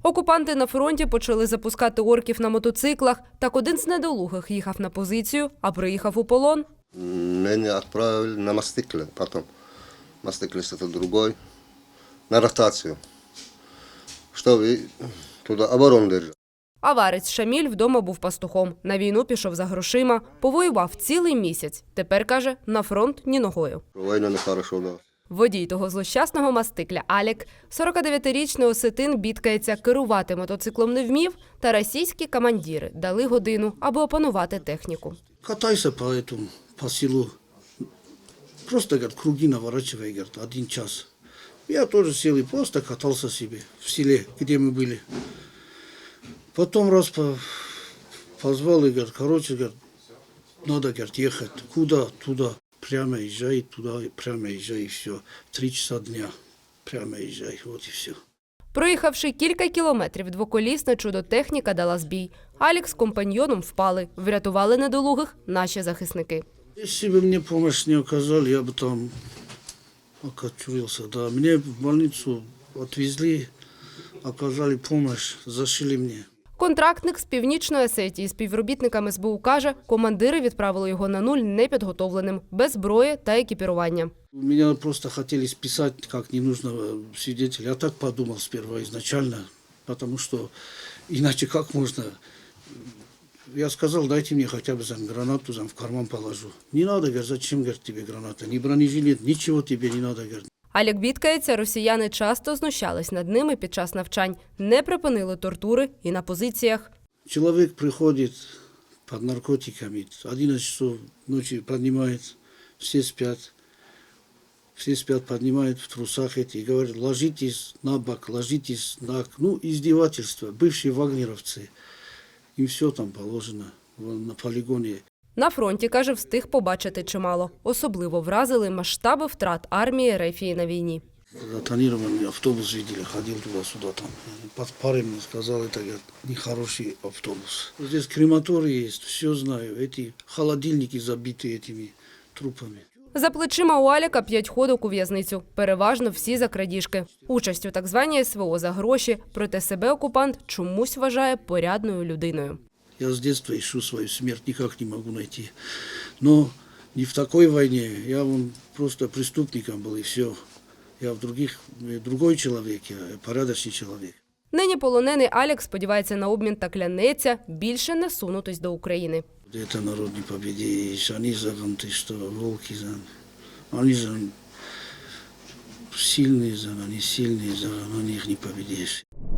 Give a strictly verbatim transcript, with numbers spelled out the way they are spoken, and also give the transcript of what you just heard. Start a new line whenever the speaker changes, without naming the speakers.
Окупанти на фронті почали запускати орків на мотоциклах. Так один з недолугих їхав на позицію, а приїхав у полон.
Меня отправили на Мастыкле потом. Мастыкле это другой. На ротацию. Чтобы туда оборону держать.
Аварець Шаміль вдома був пастухом. На війну пішов за грошима. Повоював цілий місяць. Тепер, каже, на фронт ні ногою.
Война нехорошо дала.
Водій того злощасного мастикля Алік, сорокадев'ятирічний осетин, бідкається, керувати мотоциклом не вмів, та російські командири дали годину, аби опанувати техніку.
Катайся по этому, по селу. Просто, говорит, круги наворачивай, говорит, один час. Я тоже сел и просто катался себе в селе, где мы были. Потом раз по, позвал и говорит, короче, говорит, надо, говорит, ехать. Куда? Туда. Прямо езжай, туда, прямо езжай, и все. Три часа дня. Прямо езжай, вот и все.
Проїхавши кілька кілометрів, двоколісна чудо-техніка дала збій. Алік з компаньйоном впали. Врятували недолугих наші захисники.
Если бы мне помощь не оказали, я бы там окочурился. Да, мне в больницу отвезли, оказали помощь, зашили мне.
Контрактник з Північної Осетії співробітниками ес бе у каже, командири відправили його на нуль непідготовленим, без зброї та екіпірування.
Меня просто хотели списать как ненужного свидетеля. Я так подумал сперва изначально, потому что иначе как можно... Я сказал, дайте мне хотя бы там гранату там в карман положу. Не надо, говорит, зачем, говорит, тебе граната? Ни бронежилет, ничего тебе не надо, говорит.
Алік бідкається, росіяни часто знущались над ними під час навчань, не припинили тортури і на позиціях.
Человек приходит под наркотиками, одиннадцать часов ночи поднимает, все спят. Все спят, поднимают в трусах эти и говорят, ложитесь на бок, ложитесь на... Ну, издевательство. Бывшие вагнеровцы. Им все там положено на полигоне.
На фронті, каже, встиг побачити чимало. Особливо вразили масштаби втрат армії РФ на війні.
Затонированный автобус видели, ходил туда-сюда там. Под парой мне сказал, это говорит, нехороший автобус. Здесь крематорий есть, все знаю. Эти холодильники забиты этими трупами.
За плечима у Аліка п'ять ходок у в'язницю. Переважно всі за крадіжки. Участь у так званій ес ве о за гроші. Проте себе окупант чомусь вважає порядною людиною.
Я с детства ищу свою смерть, никак не могу найти. Но не в такой войне. Я вон просто преступником был, и все. Я в других, другой человек, я порядочный человек.
Нині полонений Алік сподівається на обмін та клянеться більше не сунутись до України.
Это народ не победишь, они за вон, ты что, волки за... Они же сильные за, они сильные за, на них не победишь.